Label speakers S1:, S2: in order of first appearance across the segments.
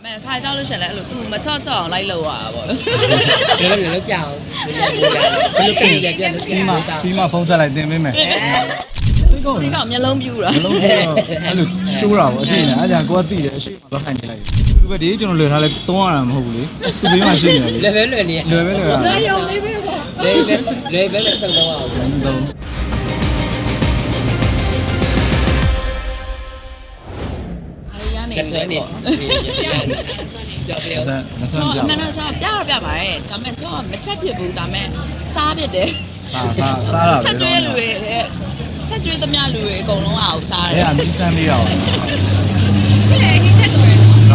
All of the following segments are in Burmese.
S1: မဲ့ခါကြောက်လို့ရှင်လဲအဲ့လို तू မချော့ချော့အောင်လိုက်လို့ရတာပေါ့
S2: လည်းကြောက်ဘယ်လိုပြင်ရပြန်လို့ပြန်တာ
S3: ပြီးမှဖုန်းဆက်လိုက်တင်ပေးမယ်စိတ်ကောင်း
S1: စိတ်ကမျက်လုံးပြူတာ
S3: မလုံးတော့အဲ့လိုရှိုးတာပေါ့အချိန်နဲ့အဲ့ဒါကိုကတိတယ်အရှိမသွားခိုင်းနေလိုက်သူပဲဒီကျွန်တော်လွယ်ထားလဲသုံးရတာမဟုတ်ဘူးလေသူဘေးမှာရှိနေတယ်
S2: လည်းပဲလွယ်နေ
S3: လွယ်ပဲလွယ်တာ
S1: ရုံလေးပဲပေါ့
S2: လည်းပဲဆက်တော့အောင်
S3: တော့
S1: အားရနေ
S2: လက်ဆွဲ
S1: တယ်
S2: နေ
S1: ပေါ့
S2: ကြောက်တယ်
S3: ဆက်လက်ဆွဲ
S1: တော့
S3: ပြ
S1: အမှန်တော့ကျပြတော့ပြပါတယ်ဒါပေမဲ့ကျတော့မချက်ဖြစ်ဘူးဒါပေမဲ့စားဖြစ်တယ်
S3: စားတာ
S1: ချက်ကျွေးလူတွေချက်ကျွေးသမျှလူတွေအကုန်လုံးအောင်စားတယ်
S3: အဲ့ဒါမီးစမ်းလေးရအောင်
S1: ဒီချက်တော့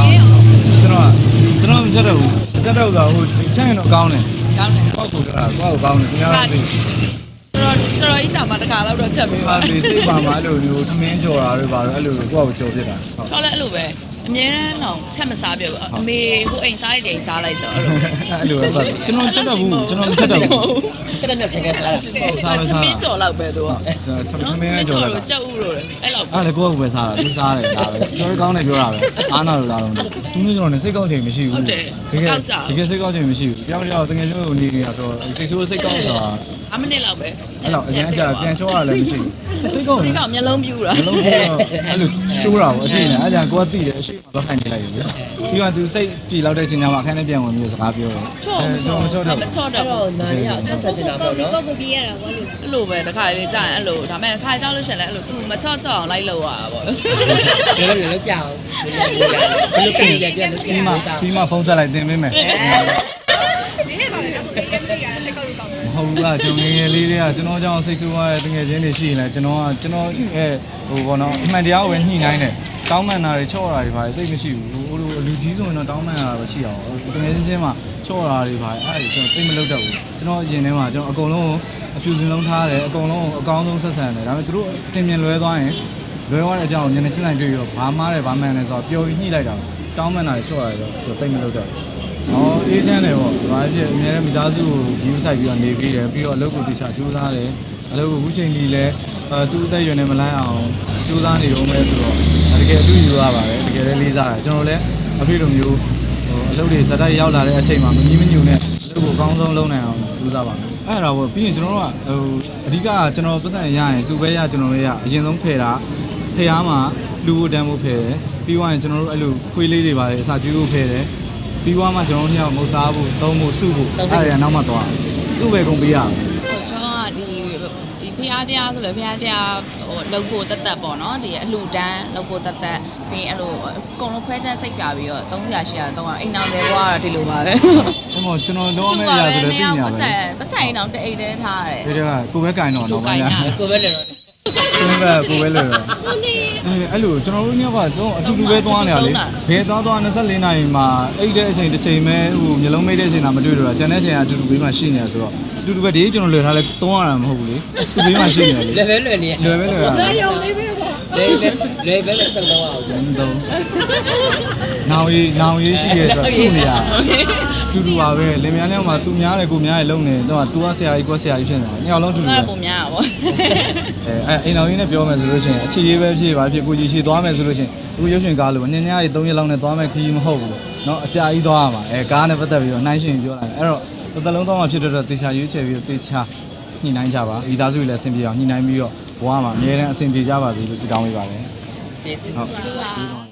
S3: ကျွန်တော်မချက်တော့ဘူးချက်တော့ဆိုဟိုချက်ရင်တော့ကောင်းတယ်
S1: ကောင်းတယ်
S3: ပေါ့ကိုတော့ကိုယ့်ကိုကောင်းတယ်ခင်ဗျားတို့သိ
S1: တော်ကြီးကြာမှတခါတော့တော့ချက်ပေးပါ
S3: ပါလေစိတ်ပါမှာအဲ့လိုမျိုးသမင်းကြော်တာတွေပါတော့အဲ့လိုကိုယ့်ကိုကြော်ဖြစ်တာဟုတ်
S1: ချောလဲအဲ့လိုပဲအမြဲတမ်းတော့ချက်မစားပြဘူးအမေဟိုအိမ်စားတဲ့အိမ်စားလိုက်ဆိုအဲ့လို
S3: အဲ့လိုပဲကျွန်တော်ချက်တော့ဘူးကျွန်တော်မချက်တော့ဘူး
S2: ချက်တဲ့ပြန်ခဲ့စား
S1: သမီးကြော်လောက်ပဲသူက
S3: သမင်းကြော်တာ
S1: ကြောက်ဦးလို့အဲ့လောက်
S3: အဲ့လေကိုယ့်ကိုပဲစားတာသူစားတယ်ဒါပဲပြောရကောင်းတယ်ပြောတာပဲအားနာလို့လာတော့သူမျိုးကျွန်တော်လည်းစိတ်ကောင်းချိန်မရှိဘူးတကယ်စိတ်ကောင်းချိန်မရှိဘူးကြောက်ကြောက်တကယ်လို့နေနေတာဆိုတော့စိတ်ဆိုးစိတ်ကောင်းဆိုတာ
S1: 5မိနစ်လောက်ပဲ
S3: အဲ့တော့အရင်ကကြာပြန်ချောရလည်းမရှိဘူးစိတ်ကောင်း
S1: စိတ်ကမျက်လုံးပြူတာ
S3: မလုံးတော့အဲ့လိုရှိုးတာပေါ့အချိန်နဲ့အဲ့ဒါကိုကတိတယ်အရှိမသွားခိုင်းနေလိုက်ပြီပြီးတော့သူစိတ်ပြေလောက်တဲ့အချိန်ကျမှအခန်းထဲပြန်ဝင်ပြီးစကားပြောတယ်
S1: ချော့မချော့တော့
S2: တော့နားရအချက်တက်နေတာပေါ့နော်
S4: ကိုပြေးရတာပေါ့လို့
S1: အဲ့လိုပဲတခါလေးကြာရင်အဲ့လိုဒါပေမဲ့ခါကြောက်လို့ရှင်လဲအဲ့လို तू မချော့ချော့အောင်လိုက်လို့ရတာပေါ့
S2: လည်းကြောက်ဘယ်လိုပြင်ရပြန်လို့ပြန်တာ
S3: ပြီးမှဖုန်းဆက်လိုက်တင်ပေးမယ်
S4: ဒီနေ့ပါပဲတော့ပြေးရမလို့ရတယ်စိတ်ကောက်လို့ကောက်
S3: မဟုတ်ဘူးလားကျွန်တော်ငယ်လေးတွေကကျွန်တော်ကြောင့်စိတ်ဆိုးရတဲ့တကယ်ချင်းတွေရှိရင်လည်းကျွန်တော်ရဲ့ဟိုဘောနော်အမှန်တရားကိုပဲညှိနှိုင်းတယ်တောင်းပန်တာတွေချော့တာတွေပါသိမရှိဘူးဟိုလိုလူကြီးဆိုရင်တော့တောင်းပန်တာပဲရှိအောင်တကယ်ချင်းမှာချော့တာတွေပါအဲ့ဒါကျွန်တော်သိမလုပ်တတ်ဘူးကျွန်တော်အရင်ထဲမှာကျွန်တော်အကုန်လုံးအပြူစင်လုံးထားတယ်အကုန်လုံးအကောင်းဆုံးဆက်ဆံတယ်ဒါပေမဲ့သူတို့တင်မြင်လွဲသွားရင်လွဲသွားတဲ့အကြောင်းကိုညနေ7:00တွေ့ပြီးတော့ဘာမှားတယ်ဘာမှန်တယ်ဆိုတော့ပျော်ပြီးညှိလိုက်တာတောင်းပန်တာတွေချော့တာတွေတော့သိမလုပ်တတ်ဘူးအေးချမ်းတယ်ပေါ့။ဒါဖြစ်အများနဲ့မိသားစုကို view ဆိုင်ပြီးတော့နေပြီးတယ်ပြီးတော့အလုပ်ကိုတခြားကြိုးစားတယ်။အလုပ်ကိုအခုချိန်ကြီးလဲသူ့အသက်အရွယ်နဲ့မလိုက်အောင်ကြိုးစားနေတော့မယ်ဆိုတော့တကယ်အတူယူရပါတယ်တကယ်လည်းလေးစားတယ်ကျွန်တော်လည်းအဖေလိုမျိုးအလုပ်တွေဇာတ်တိုက်ရောက်လာတဲ့အချိန်မှာမငြင်းမညူနဲ့အလုပ်ကိုအကောင်းဆုံးလုပ်နိုင်အောင်ကြိုးစားပါမယ်။အဲ့ဒါပေါ့ပြီးရင်ကျွန်တော်တို့ကအဓိကကျွန်တော်ပတ်စံရရင်သူပဲရကျွန်တော်လည်းရအရင်ဆုံးဖယ်တာဖယ်အားမှာလူဖို့တန်းဖို့ဖယ်တယ်ပြီးသွားရင်ကျွန်တော်တို့အဲ့လိုခွေးလေးတွေပါတယ်အစာကျွေးဖို့ဖယ်တယ်ပြီးွားမှကျွန်တော်တို့ညမုတ်စားဖို့သုံးဖို့စုဖို့အဲ့ဒါနောက်မှသွားသူ့ပဲကုန်ပေးရအောင်
S1: ဟိုကျွန်တော်ကဒီဖျားတရားဆိုလဲဖျားတရားဟိုလုပ်ဖို့တက်တက်ပေါ့နော်ဒီအလှူဒန်းလုပ်ဖို့တက်တက်ပြီးအဲ့လိုအကုန်လုံးခွဲချမ်းစိတ်ပြပြီးတော့300 800 300အိမ်အောင်တယ်ဘွားကတော့ဒီလိုပါပဲ
S3: အဲ့မောကျွန်တော်တော့မဲ့ရဆိုတော့ပြင်ရပါပဲ
S1: ပတ်စံအိမ်အောင်တအိမ်တည်းထားတယ်
S3: ဒီကကိုပဲကင်တော့တော့ဗျာ
S2: ကိုပဲလည်းတော့
S3: သူကကိုပဲလို့တော့အဲ့လိုကျွန်တော်တို့ညကတော့အတူတူပဲသွားနေရလေဘယ်သွား24နာရီမှာအိတ်တဲ့အချိန်တစ်ချိန်ပဲဟိုမျိုးလုံးမိတ်တဲ့အချိန်တာမတွေ့တော့တာကျန်တဲ့အချိန်ကအတူတူဘေးမှာရှိနေရဆိုတော့အတူတူပဲဒီကျွန်တော်လွယ်ထားလဲသုံးရတာမဟုတ်ဘူးလေသူဘေးမှာရှိနေတယ်လေ
S2: လည်းပဲလွယ်နေ
S3: လွယ်ပဲလွယ်တာ
S4: ရုံလေးပဲပေါ့
S2: လည်းပဲဆက်တော့အောင်
S3: တော့နောင်ရေးရှိရဲဆိုတော့စုနေရတူတူပါပဲလင်မယားနဲ့မှသူများတယ်ကိုများတယ်လုံနေတော့သူကဆရာကြီးကိုဆရာကြီးဖြစ်နေတာညောင်လုံးတူတူ
S1: အဲ့
S3: ပဲ
S1: ဒါပုံများတာပေါ့
S3: အိမ်တော်ကြီးနဲ့ပြောမယ်ဆိုလို့ရှိရင်အခြေရေးပဲဖြစ်ပါဖြစ်ကိုကြီးရှိသွားမယ်ဆိုလို့ရှိရင်အခုရုပ်ရှင်ကားလို့ညညရီ3ရက်လောက်နဲ့သွားမယ်ခီးမဟုတ်ဘူးเนาะအကြာကြီးသွားရမှာကားနဲ့ပတ်သက်ပြီးတော့နှိုင်းရှင်ပြောလာတယ်အဲ့တော့တစ်သက်လုံးသွားမှဖြစ်တော့တေချာရွေးချယ်ပြီးတော့တေချာညှိနှိုင်းကြပါမိသားစုလည်းအဆင်ပြေအောင်ညှိနှိုင်းပြီးတော့ဘဝမှာအများနဲ့အဆင်ပြေကြပါစေလို့ဆုတောင်းပေးပါတယ်
S2: ကျေးဇူး
S3: ဟုတ်